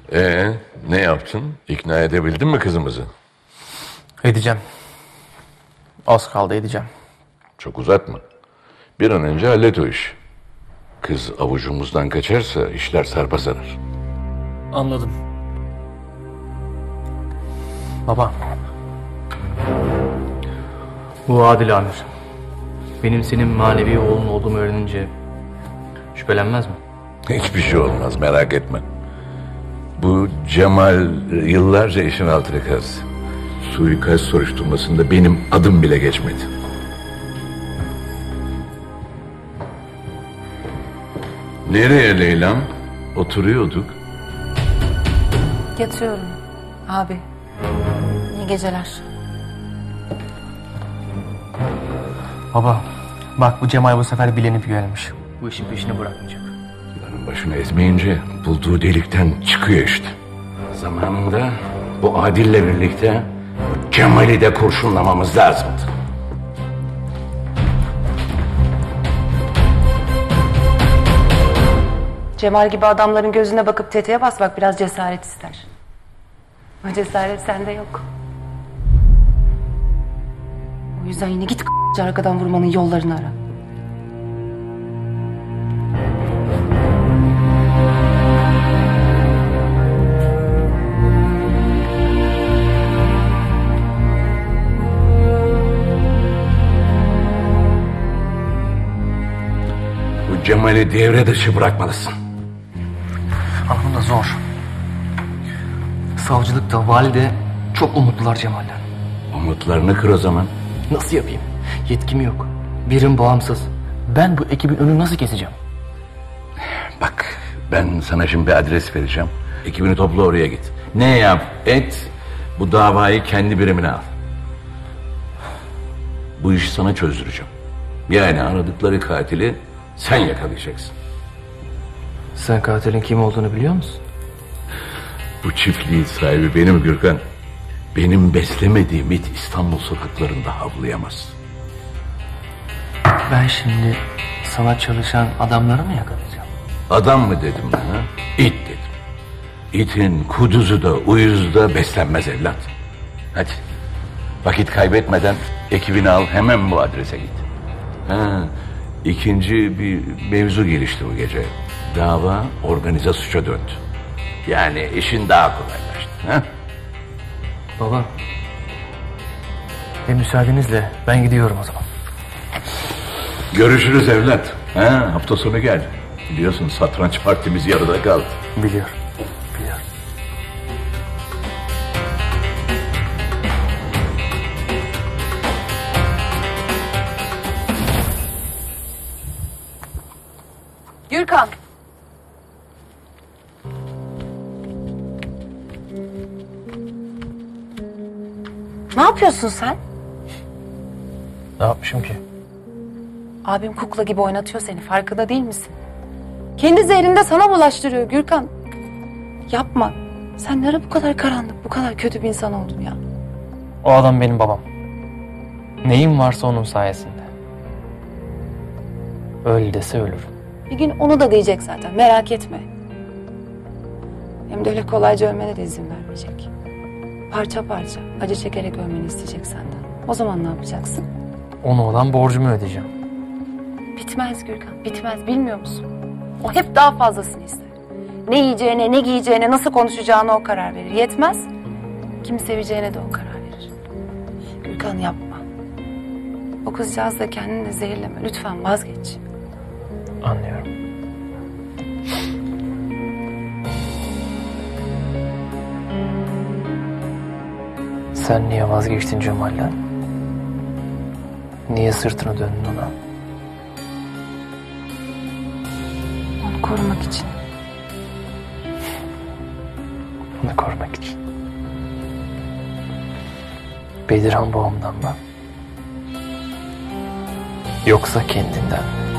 Ne yaptın? İkna edebildin mi kızımızı? Edeceğim. Az kaldı edeceğim. Çok uzatma. Bir an önce hallet o işi. Kız avucumuzdan kaçarsa işler sarpa sarar. Anladım. Baba. Bu Adil Amir. Benim senin manevi oğlun olduğumu öğrenince şüphelenmez mi? Hiçbir şey olmaz, merak etme. Bu Cemal yıllarca işin altını kazdı. Suikast soruşturmasında benim adım bile geçmedi. Nereye Leyla'm? Oturuyorduk. Yatıyorum abi. İyi geceler. Baba, bak bu Cemal bu sefer bilenip gelmiş. Bu işin peşini bırakmayacak. Yılanın başını ezmeyince bulduğu delikten çıkıyor işte. Zamanında bu Adil'le birlikte bu Cemal'i de kurşunlamamız lazımdı. Cemal gibi adamların gözüne bakıp tetiğe basmak biraz cesaret ister. O cesaret sende yok. O yüzden yine git arkadan vurmanın yollarını ara. Bu Cemal'i devre dışı bırakmalısın. Ama bu da zor. Savcılıkta, valide çok umutlular Cemal'den. Umutlarını kır o zaman. Nasıl yapayım? Yetkim yok. Birim bağımsız. Ben bu ekibin önünü nasıl keseceğim? Bak, ben sana şimdi bir adres vereceğim. Ekibini topla, oraya git. Ne yap et, bu davayı kendi birimine al. Bu işi sana çözdüreceğim. Yani aradıkları katili sen yakalayacaksın. Sen katilin kim olduğunu biliyor musun? Bu çiftliğin sahibi benim Gürkan. Benim beslemediğim it İstanbul sokaklarında havlayamaz. Ben şimdi sana çalışan adamları mı yakalayacağım? Adam mı dedim ben ha? İt dedim. İtin kuduzu da uyuzu da beslenmez evlat. Hadi vakit kaybetmeden ekibini al, hemen bu adrese git. İkinci bir mevzu gelişti bu gece. Dava organize suça döndü. Yani işin daha kolaylaştı. Ha? Baba. Müsaadenizle ben gidiyorum o zaman. Görüşürüz evlat. Hafta sonu gel. Biliyorsun satranç partimiz yarıda kaldı. Biliyorum. Biliyorum. Gürkan. Ne yapıyorsun sen? Ne yapmışım ki? Abim kukla gibi oynatıyor seni. Farkında değil misin? Kendi zehrini de sana bulaştırıyor Gürkan. Yapma. Sen ne ara bu kadar karanlık, bu kadar kötü bir insan oldun ya? O adam benim babam. Neyim varsa onun sayesinde. Öl dese ölürüm. Bir gün onu da diyecek zaten. Merak etme. Hem de öyle kolayca ölmene de izin vermeyecek. Parça parça, acı çekerek ölmeni isteyecek senden. O zaman ne yapacaksın? Ona olan borcumu ödeyeceğim. Bitmez Gürkan, bitmez. Bilmiyor musun? O hep daha fazlasını ister. Ne yiyeceğine, ne giyeceğine, nasıl konuşacağına o karar verir. Yetmez, kimi seveceğine de o karar verir. Gürkan yapma. O kızcağız da kendini de zehirleme. Lütfen vazgeç. Anlıyorum. Sen niye vazgeçtin Cemal'den? Niye sırtını döndün ona? Onu korumak için. Onu korumak için. Bedirhan babamdan mı? Yoksa kendinden mi?